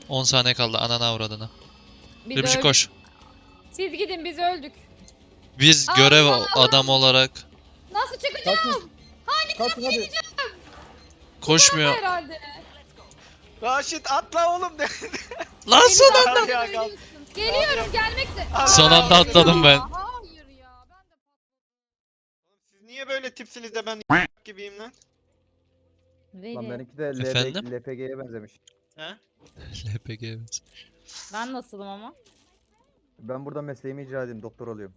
10 saniye kaldı anana avradına. Biz Ribişi öldük. koş. Siz gidin biz öldük. Biz görev adam olarak Nasıl çıkacağım? Kaçın. Kaçın hadi. koşmuyor. Herhalde. Raşit atla oğlum de. Lan Beni son zaten anda. ölüyorsun. Geliyorum gelmekte. Son anda atladım ben. Hayır ya. Ben de Siz niye böyle tipsiniz de ben gibiyim lan? Lan benimki de Efendim? LPG'ye benzemiş. He? LPG. Ben nasılım ama? Ben burada mesleğimi icra edeyim. Doktor oluyorum.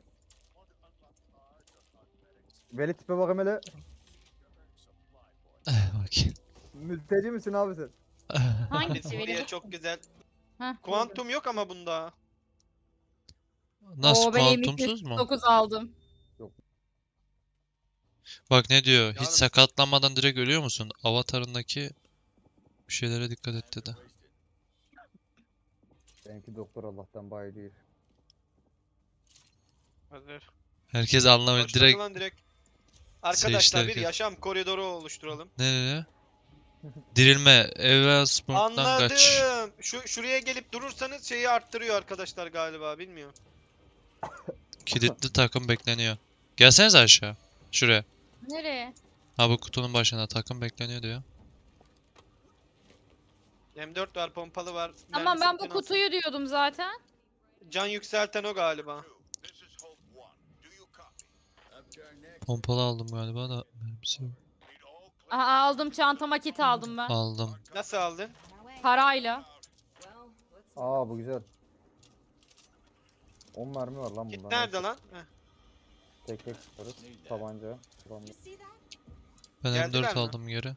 Veli tipe bakayım hele. Bak. Mülteci misin abi sen? Hangisi Diye benim? çok güzel. Heh, Kuantum yok ama bunda. Nasıl Oo, ben kuantumsuz mu? 9 aldım. Bak ne diyor? Hiç Yani- sakatlanmadan direkt ölüyor musun? Avatarındaki bir şeylere dikkat et dedi. Benimki doktor Allah'tan bayi değil. Hazır. Herkes anlamıyor. Başladı Direkt lan direkt. Arkadaşlar Seçti bir herkes. yaşam koridoru oluşturalım. ne? Dirilme. Evelsburg'dan kaç. Anladım. Şuraya gelip durursanız şeyi arttırıyor arkadaşlar galiba bilmiyorum. Kilitli takım bekleniyor. Gelsenize aşağı. Şuraya. Nereye? Ha bu kutunun başına takım bekleniyor diyor. M4 var, pompalı var. Tamam mermisi ben bu biten alsın. kutuyu diyordum zaten. Can yükselten o galiba. Pompalı aldım galiba da. Mermisi yok. Aha, aldım çantama kit aldım ben. Aldım. Nasıl aldın? Parayla. Aa bu güzel. 10 mermi var lan Git bunda. nerede lan? Heh. Tek tek tutarız. Tabanca. Tabanca. Ben Geldiler M4 mi? aldım geri.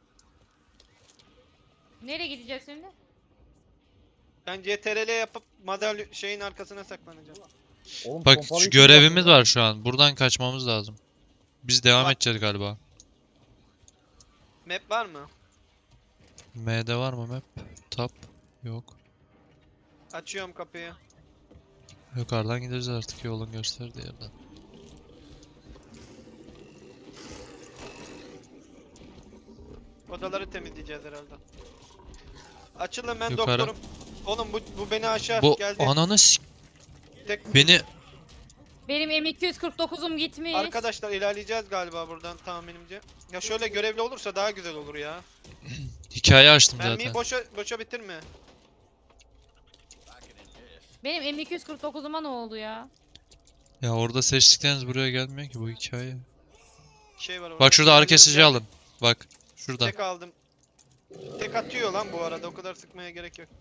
Nereye gideceğiz şimdi? Ben CTRL yapıp madalya şeyin arkasına saklanacağım. Oğlum, Bak pompalıyı şu kim görevimiz yaptı lan? var şu an. Buradan kaçmamız lazım. Biz devam Bak. edeceğiz galiba. Map var mı? M'de var mı map? Tab. Yok. Açıyorum kapıyı. Yukarıdan gideriz artık yolun gösterdiği yerden. Odaları temizleyeceğiz herhalde. Açılın ben Yukarı. doktorum. Oğlum bu beni aşar Bu geldi. ananı Tek... beni Benim M249'um gitmiş. Arkadaşlar ilerleyeceğiz galiba buradan tahminimce. Ya şöyle görevli olursa daha güzel olur ya. hikaye açtım Mermiyi zaten. boşa bitirme. Benim M249'uma ne oldu ya? Ya orada seçtikleriniz buraya gelmiyor ki bu hikaye. Şey var orada. Bak şurada ağrı Geliyorum, kesici gel. alın. Bak şurada. Tek aldım. Tek atıyor lan bu arada o kadar sıkmaya gerek yok.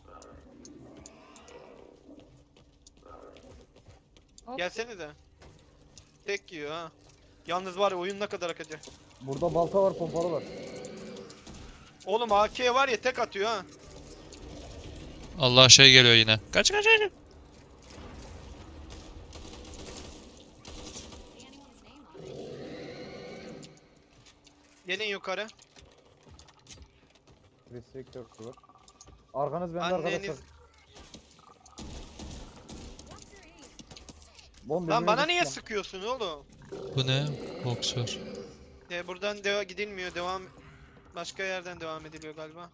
Hop. Gelsenize. Tek yiyor ha. Yalnız var ya oyun ne kadar akacak. Burada balta var, pompalı var. Oğlum AK var ya tek atıyor ha. Allah şey geliyor yine. Kaç. Gelin yukarı. Restriktör var. Arkanız bende Anneniz... arkadaşlar. Oğlum, Lan bana birbirinizi niye tutma. sıkıyorsun oğlum? Bu ne? Boksör. Buradan gidilmiyor. Başka yerden devam ediliyor galiba.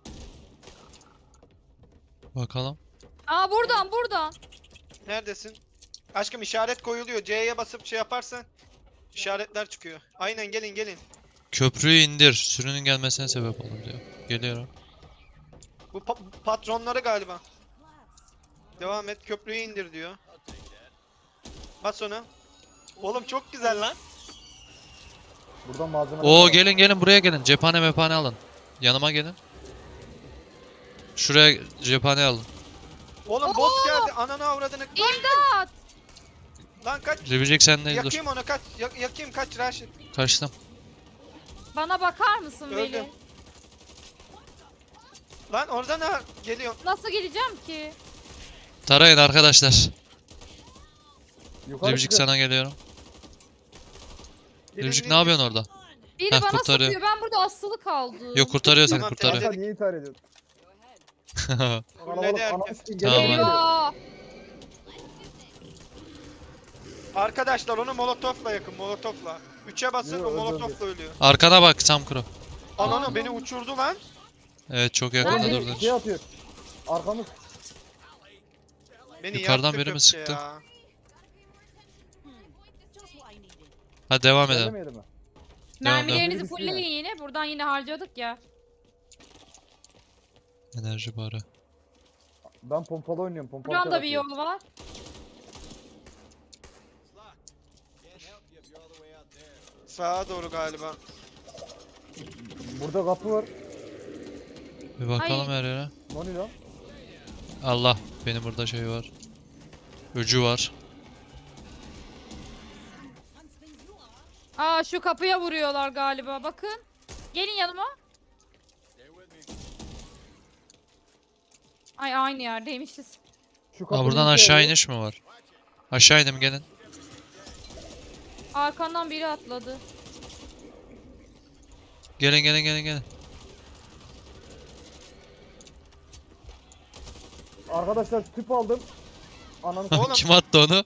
Bakalım. Aa buradan. Neredesin? Aşkım işaret koyuluyor. C'ye basıp şey yaparsan işaretler çıkıyor. Aynen gelin. Köprüyü indir. Sürünün gelmesine sebep olur diyor. Geliyorum. Bu patronları galiba. Devam et köprüyü indir diyor. Bas ona. Oğlum çok güzel lan. Buradan malzeme. Oo gelin buraya gelin. Cephane mephane alın. Yanıma gelin. Şuraya cephane alın. Oğlum bot geldi. Ananı avradını. İmdat. Lan kaç. Ribicik sendeyiz dur. Yakayım onu kaç. Yakayım kaç Raşit. Kaçtım. Bana bakar mısın Öldüm. Veli? Lan oradan ha geliyor. Nasıl gideceğim ki? Tarayın arkadaşlar. Yukarı Ribicik çıkın. sana geliyorum. Birini Ribicik ne yapıyorsun orada? Biri Heh, bana kurtarıyor. sıkıyor. Ben burada asılı kaldım. Yok kurtarıyor seni Tamam, kurtarıyor. Kanka niye intihar ediyorsun? Fulledi Ananı herkes. sikeyim, Tamam. geliyor. Eyvah. Arkadaşlar onu molotofla yakın molotofla. 3'e basın Yo, o öldü, molotofla ölüyor. Arkana bak Sam Kuro. Ananı beni uçurdu lan. Evet çok Oğlum yakında Nerede? durdun. şey atıyor. Arkamız. Beni Yukarıdan yaktı biri mi köpke sıktı? ya. Hadi devam edelim. Gelmedi mi? Mermilerinizi Devam. fullleyin yine. Buradan yine harcadık ya. Enerji barı. Ben pompalı oynuyorum. Pompalı Buradan da bir tarafıyım. yol var. Sağa doğru galiba. Burada kapı var. Bir bakalım Ay. her yere. Noni lan. Allah. Benim burada şey var. Öcü var. Aa şu kapıya vuruyorlar galiba. Bakın. Gelin yanıma. Ay aynı yerdeymişiz. Şu Aa, kapı buradan ne işe aşağı yarıyor? iniş mi var? Aşağı inelim gelin. Arkandan biri atladı. Gelin gelin gelin gelin. Arkadaşlar tüp aldım. Ananı Oğlum. Kim attı onu?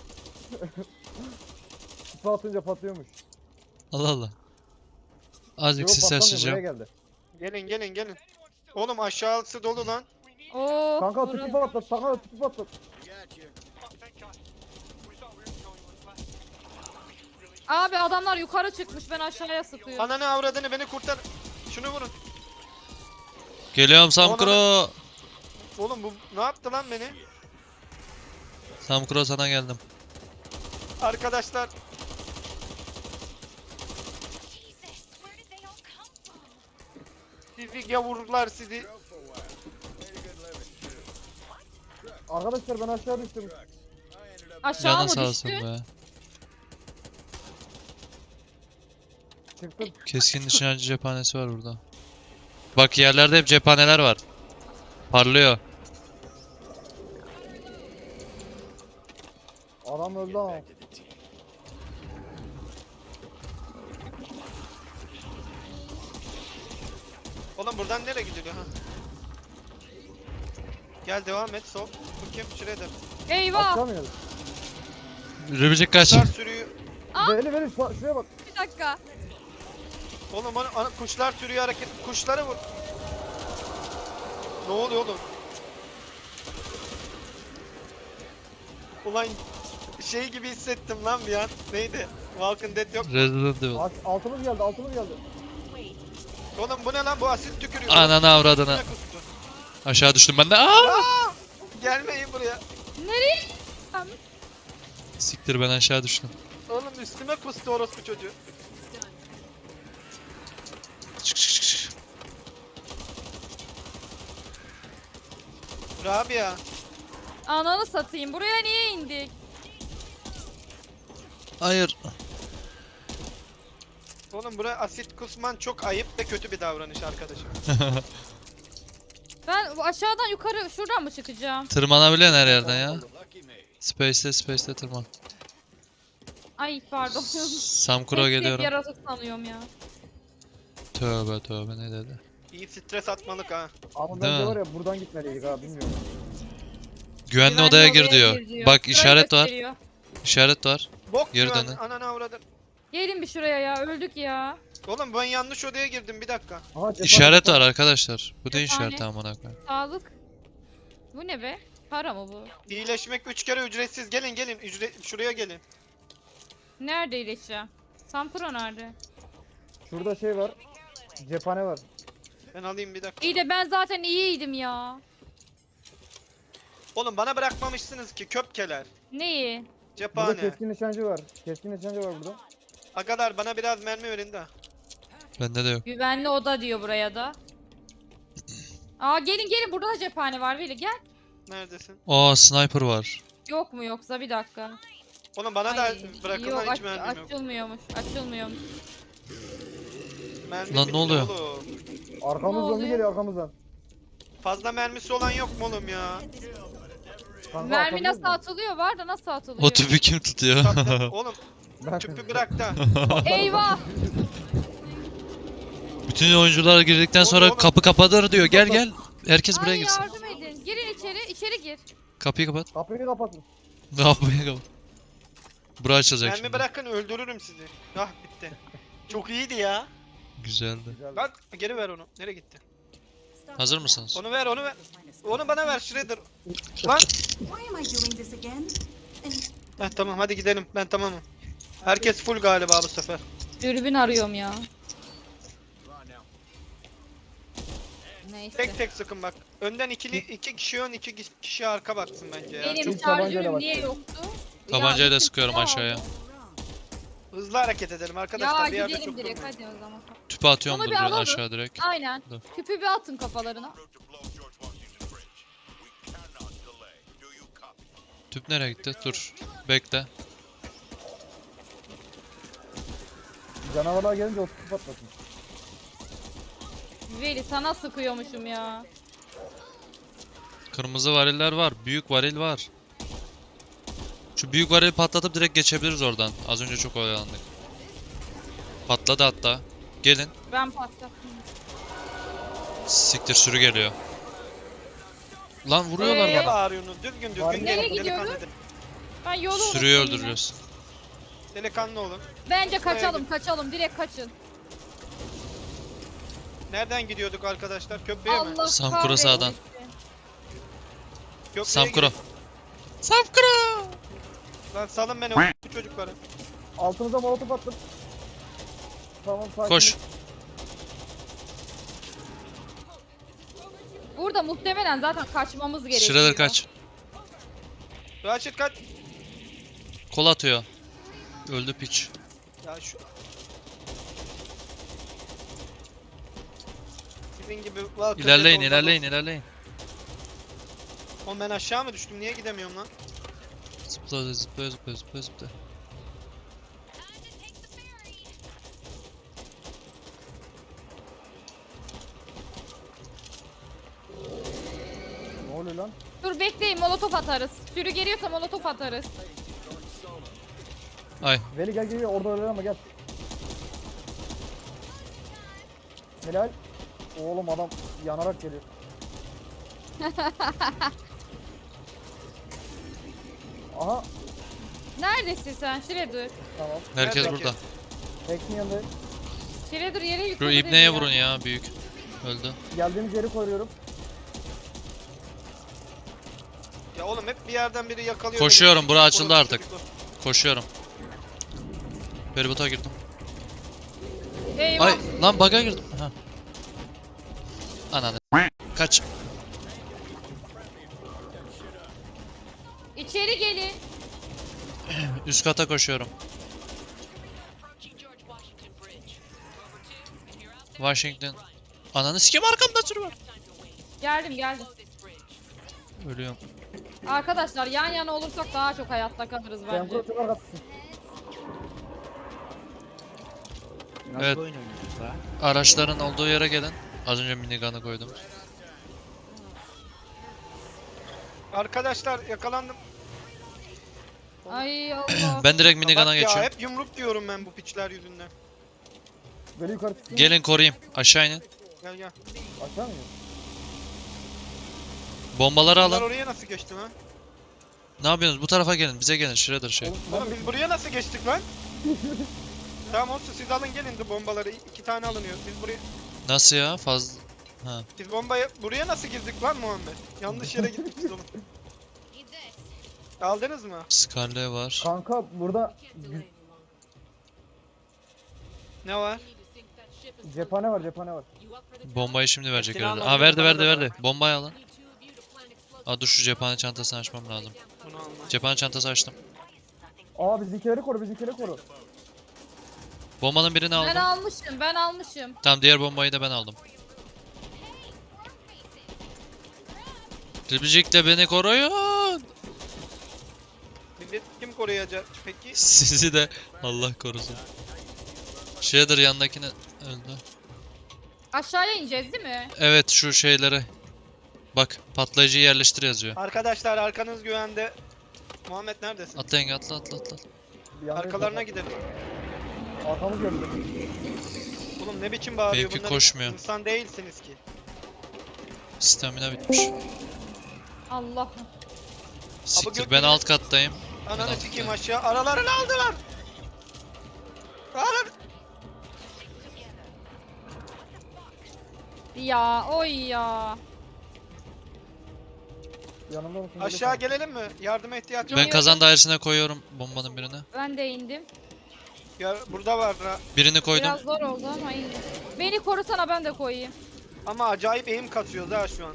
tüp atınca patlıyormuş. Allah Allah. Azıcık Yo, sis patlamıyor, açacağım. buraya geldi. Gelin. Oğlum aşağısı dolu lan. Oo. Kanka tüpü patlat. Kanka tüpü patlat. Abi adamlar yukarı çıkmış. Ben aşağıya sıkıyorum. Ananı avradını beni kurtar. Şunu vurun. Geliyorum Samkuro. Oğlum bu ne yaptı lan beni? Samkuro sana geldim. Arkadaşlar. Sizi yavrular sizi. Arkadaşlar ben aşağı düştüm. Aşağı Canın mı sağ düştü? olsun be. Çıktım. Keskin nişancı cephanesi var burada. Bak yerlerde hep cephaneler var. Parlıyor. Adam öldü ama. Oğlum buradan nereye gidiliyor ha? Gel devam et sol. Bu kim? Shredder. Eyvah. Atlamıyoruz. Rübicik kaç. Kuşlar sürüyor. Beni şuraya bak. Bir dakika. Oğlum kuşlar sürüyor hareket. Kuşları vur. Ne oluyor oğlum? Ulan şey gibi hissettim lan bir an. Neydi? Walking Dead yok. Resident Evil. Altımız geldi. Altımız geldi. Oğlum bu ne lan? Bu asit tükürüyor. Ananı avradını. Üstüne kustu. Aşağı düştüm ben de. Aa! Gelmeyin buraya. Nereye? Siktir ben aşağı düştüm. Oğlum üstüme kustu orospu çocuğu. Çık çık çık çık. Rabia. Ananı satayım. Buraya niye indik? Hayır. Oğlum buraya asit kusman çok ayıp ve kötü bir davranış arkadaşım. Ben bu aşağıdan yukarı şuradan mı çıkacağım? Tırmanabiliyorsun her yerden ya. Space'te tırman. Ay pardon. Samkuro Hep geliyorum. yaratık sanıyorum ya. Tövbe tövbe ne dedi? İyi stres atmalık ha. Ama Değil bence mi? var ya buradan gitmeliydik ha bilmiyorum. Güvenli Güvenli odaya gir diyor. Bak Şurayı işaret var. gösteriyor. İşaret var. Bok Geri güven. dönün. Ananı avradın. Gelin bir şuraya ya. Öldük ya. Oğlum ben yanlış odaya girdim bir dakika. Aha, İşaret cephane. var arkadaşlar. Bu ne Cephane. işareti amına koyayım? Sağlık. Bu ne be? Para mı bu? İyileşmek 3 kere ücretsiz. Gelin şuraya gelin. Nerede iyileşeceğim? Sampuro nerede? Şurada şey var. Cephane var. Ben alayım bir dakika. İyi de ben zaten iyiydim ya. Oğlum bana bırakmamışsınız ki köpkeler. Neyi? Burada Cephane. keskin nişancı var. Keskin nişancı var burada. Agalar bana biraz mermi verin de. Bende de yok. Güvenli oda diyor buraya da. Aa gelin burada da cephane var Veli gel. Neredesin? Aa sniper var. Yok mu yoksa bir dakika. Oğlum bana Ay, da bırakın yok, lan hiç mermim yok. Açılmıyormuş. Mermi Lan ne bitti oluyor? oğlum. Arkamız Ne zombi oluyor? geliyor arkamızdan. Fazla mermisi olan yok mu oğlum ya? Kanka, Mermi atabiliyor nasıl musun? atılıyor var da nasıl atılıyor? O tüpü kim tutuyor? Tatlı. Oğlum Ben- tüpü bırak da. Eyvah! Bütün oyuncular girdikten sonra Oğlum. kapı kapanır diyor. Gel gel. Herkes buraya Ay girsin. yardım edin. Girin içeri gir. Kapıyı kapat. Kapıyı kapatın. Kapıyı kapat. Bura açılacak Mermi şimdi. bırakın öldürürüm sizi. Ah bitti. Çok iyiydi ya. Güzeldi. Güzel. Bak geri ver onu. Nereye gitti? Hazır mısınız? Onu ver, onu ver. Onu bana ver Shredder. Lan. Why am I doing this again? Heh, tamam hadi gidelim. Ben tamamım. Herkes full galiba bu sefer. Dürbün arıyorum ya. Neyse. Tek tek sıkın bak. Önden iki kişi ön, iki kişi arka baksın bence ya. Benim İlk tabancayla şarjörüm bak. niye yoktu? Tabancayla da Ya, sıkıyorum ya. aşağıya. Hızlı hareket edelim arkadaşlar. Ya bir yerde gidelim çok direkt durmayın. hadi o zaman. Tüpü atıyorum Onu dur bir bir alalım. aşağı direkt. Aynen. Dur. Tüpü bir atın kafalarına. Tüp nereye gitti? Dur. Bekle. Canavarlar gelince o tutup patlasın. Veli sana sıkıyormuşum ya. Kırmızı variller var. Büyük varil var. Şu büyük varili patlatıp direkt geçebiliriz oradan. Az önce çok oyalandık. Patladı hatta. Gelin. Ben patlattım. Siktir sürü geliyor. Lan vuruyorlar Niye bana. bağırıyorsunuz? Düzgün Var düzgün mı? gelin. Nereye Delikanlı, gidiyoruz? Ben yolu Sürüyü unuttum yine. öldüreceğiz. delikanlı olun. Bence kaçalım direkt kaçın. Nereden gidiyorduk arkadaşlar? Köprüye mi? Allah Samkura kahretsin. sağdan. Köprüye Samkuro. gidelim. Samkuro. Lan salın beni bu çocukları. Altınıza molotof attım. Tamam sakin. Koş. Burada muhtemelen zaten kaçmamız gerekiyor. Shredder kaç. Raşit kaç. Kol atıyor. Öldü piç. Ya şu... Sizin gibi... İlerleyin ilerleyin ilerleyin. Oğlum ben aşağı mı düştüm? Niye gidemiyorum lan? Zıpla zıpla zıpla zıpla zıpla. Ne oluyor lan? Dur bekleyin molotof atarız. Sürü geliyorsa molotof atarız. Ay. Veli gel orada öyle ama gel. Helal. Oğlum adam yanarak geliyor. Aha Neredesin sen Shredder? tamam. Herkes Nerede burada. ki? Teksin yanındayım. Shredder yere Şu yıkıldı ibneye ya. vurun ya büyük. Öldü. Geldiğimiz yeri koruyorum. Ya oğlum hep bir yerden biri yakalıyor. Koşuyorum, beni. bura açıldı Orası artık. çocuklar. Koşuyorum. Feribota girdim. Eyvah. Ay lan bug'a girdim. Ha. Ananı. Kaç. İçeri gelin. Üst kata koşuyorum. Washington. Ananı sikeyim arkamda sürü var. Geldim. Ölüyorum. Arkadaşlar yan yana olursak daha çok hayatta kalırız Sen bence. burada çok arkasısın. Nasıl Evet. oyun oynuyoruz ha? Araçların olduğu yere gelin. Az önce minigun'ı koydum. Arkadaşlar yakalandım. Ay Allah. Ben direkt minigun'a Bak ya geçiyorum. hep yumruk diyorum ben bu piçler yüzünden. Veli yukarı çıksın. Gelin koruyayım. Aşağı inin. Gel gel. Aşağı mı? Bombaları Bunlar alın. oraya nasıl geçti lan? Ne yapıyorsunuz? Bu tarafa gelin. Bize gelin. Shredder şey. Oğlum biz buraya nasıl geçtik lan? Tamam olsun siz alın gelin de bombaları. 2 tane alınıyor. Biz buraya... Nasıl ya? Fazla. Ha. Biz bombayı... Buraya nasıl girdik lan Muhammed? Yanlış yere gittik biz oğlum. Aldınız mı? Scarlet var. Kanka burada Ne var? cephane var. Bombayı şimdi verecek Silah herhalde. almadım, Aa verdi bana da verdi ver. verdi. Bombayı alın. Aa dur şu cephane çantasını açmam lazım. Bunu alma. Cephane çantası açtım. Aa bizimkileri koru. Bombanın birini aldım. Ben almışım. Tamam diğer bombayı da ben aldım. Triplicik'le beni koruyun. Millet kim koruyacak peki? Sizi de Allah korusun. Shredder yanındakini öldü. Aşağıya ineceğiz değil mi? Evet şu şeylere. Bak patlayıcıyı yerleştir yazıyor. Arkadaşlar arkanız güvende. Muhammed neredesin? Atla yenge atla atla atla. Bir yanda Arkalarına gidelim. Arkamız geldi. Oğlum ne biçim bağırıyor Benimki bunlar? koşmuyor. İnsan değilsiniz ki. Stamina bitmiş. Allah. Siktir gökyüzüne- ben alt kattayım. Ananı Ben sikeyim alttayım. aşağı. Aralarını aldılar. Alın. Ya oy ya. Yanımda mısın? Aşağı gelelim mi? Yardıma ihtiyaç var. Ben kazan dairesine koyuyorum bombanın birine. Ben de indim. Ya burada var ha. Birini koydum. Biraz zor oldu ama indim. Beni korusana ben de koyayım. Ama acayip eğim kasıyoruz ha şu an.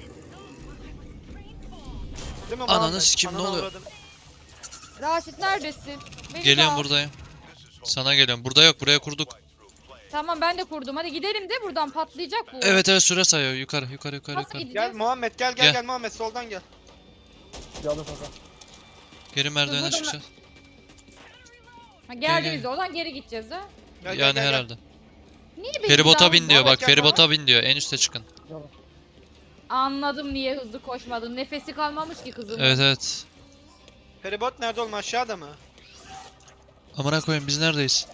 Değil mi Ananı Muhammed? sikim, ne Ananı oluyor? avradını. Raşit neredesin? Beni de Geliyorum al. buradayım. Sana geliyorum. Burada yok, buraya kurduk. Tamam ben de kurdum. Hadi gidelim de buradan patlayacak bu. Evet evet, süre sayıyor. Yukarı yukarı yukarı Nasıl yukarı. gideceğiz? Gel Muhammed gel Gel. gel Muhammed soldan gel. Geldim kanka. Geri merdivene Buradan- çıkacağız. Ha, Gel, geldiğimiz gel. oradan geri gideceğiz ha. Gel, Yani gel. herhalde. Niye beni Feribota daha bin hızlı- diyor bak, Muhammed gel, feribota bin diyor. En üste çıkın. Gel. Anladım niye hızlı koşmadın. Nefesi kalmamış ki kızım. Evet evet. Feribot nerede oğlum, aşağıda mı? Amına koyayım, biz neredeyiz?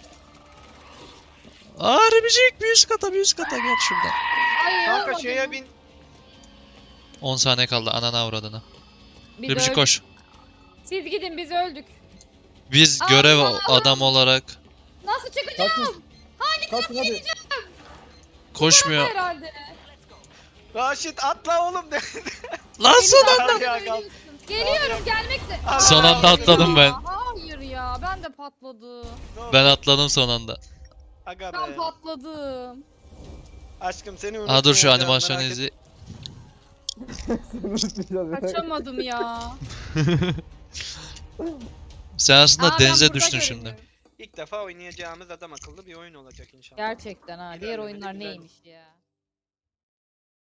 Arabicik, bir üst kata, bir üst kata, gel şuradan. Ay, Kanka olmadı şeye mı? bin. 10 saniye kaldı, anana avradına. Biz Ribicik öldük. koş. Siz gidin biz öldük. Biz Allah görev Allah. adam olarak Nasıl çıkacağım? Kaçın. Kaçın hadi. koşmuyor. Herhalde. Raşit atla oğlum de. Lan son Beni anda. Hadi ya, kal. Geliyorum gelmekte. Aa, Son anda Hayır atladım ya, ben. Hayır ya ben de patladım. Ne oldu? Ben atladım son anda. Aga Ben be. patladım. Aşkım seni Aa dur, şu unutmayacağım, animasyonu merak izle. Kaçamadım ya. Sen aslında Aa, ben denize burada düştün görünüyorum. şimdi. İlk defa oynayacağımız adam akıllı bir oyun olacak inşallah. Gerçekten ha. Diğer İlerlemede oyunlar güzel. neymiş ya.